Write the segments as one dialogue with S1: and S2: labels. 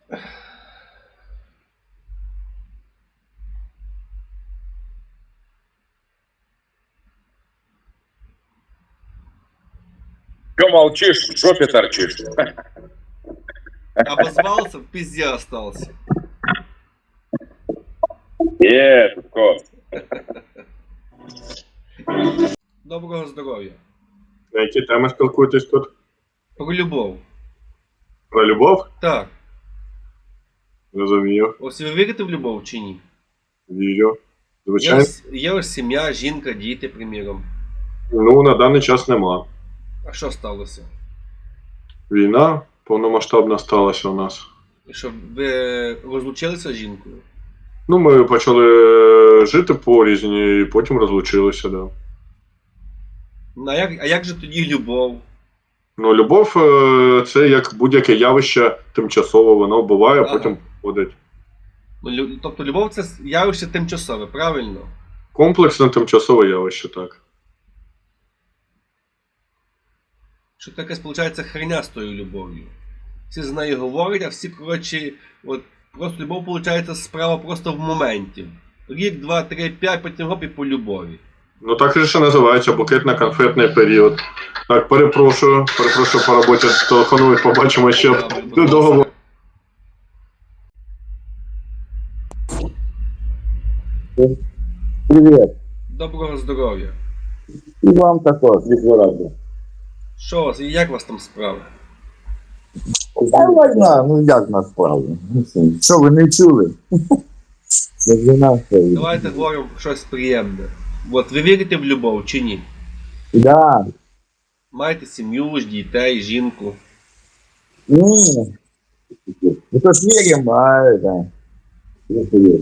S1: Че молчишь, в жопе торчишь?
S2: Обозвался, в пизде остался.
S1: Шутко.
S2: Доброго здоров'я.
S3: На які теми спілкуєтесь тут?
S2: Про любов.
S3: Про любов?
S2: Так.
S3: Розумію.
S2: Ось ви вірите в любов чи ні?
S3: Вірю. Звичайно.
S2: Є ось сім'я, жінка, діти, приміром.
S3: Ну, на даний час нема.
S2: А що сталося?
S3: Війна повномасштабна сталася у нас.
S2: І що, ви розлучилися з жінкою?
S3: Ну, ми почали жити порізні і потім розлучилися, да.
S2: Ну, а як же тоді любов?
S3: Ну, любов це як будь-яке явище тимчасове, воно буває, а потім входить.
S2: Ну, тобто любов це явище тимчасове, правильно?
S3: Комплексне тимчасове явище, так.
S2: Що таке, виходить, херня з тою любов'ю. Всі з нею говорять, а всі, коротше, от просто любов, виходить, справа просто в моменті. Рік, два, три, п'ять, потім гоп і по любові.
S3: Ну, так же ще називається букетно-конфетний період. Так, перепрошую по роботі телефонують, побачимо ще договор.
S4: Привет.
S2: Доброго здоров'я.
S4: І вам також, відворотно.
S2: Що у вас, і як у вас там справи?
S4: Та війна, ну як нас справді? Що ви не чули? Це війна стоїть.
S2: Давайте говоримо про щось приємне. От ви вірите в любов чи ні?
S4: Да.
S2: Маєте сім'ю, дітей, жінку.
S4: Ні. Ну то ж віримо, а да. Я вірю.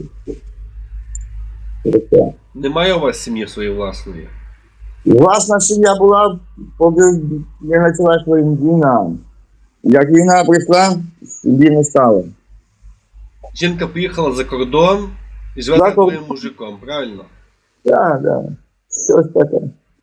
S4: Це.
S2: Немає у вас сім'ї своєї власної?
S4: Власна сім'я була, поки не почалась війна. Як війна прийшла, сім'ї не стало.
S2: Жінка поїхала за кордон і живе з твоїм мужиком, правильно?
S4: Так, да. Щось таке.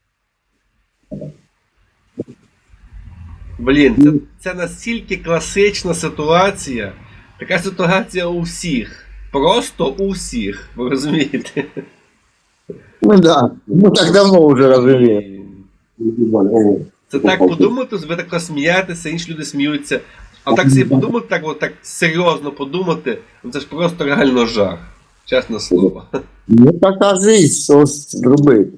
S2: Блін, це настільки класична ситуація. Така ситуація у всіх. Просто у всіх. Ви розумієте?
S4: Ну да. Ну так давно вже розумію.
S2: Це так подумати, ви так смієтеся, інші люди сміються. А так собі подумати, так серйозно подумати, ну це ж просто реально жах. Чесне слово.
S4: Ну така жизнь, що зробити.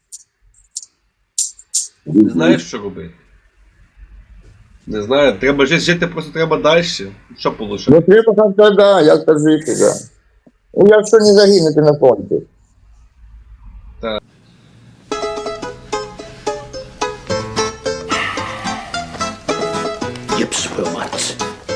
S2: Не знаєш, що робити? Не знаю, треба жити, просто треба далі. Що полишати?
S4: Ну треба как-то, да, як-то жити, да. Ну якщо не загинути на фронті.
S2: Так.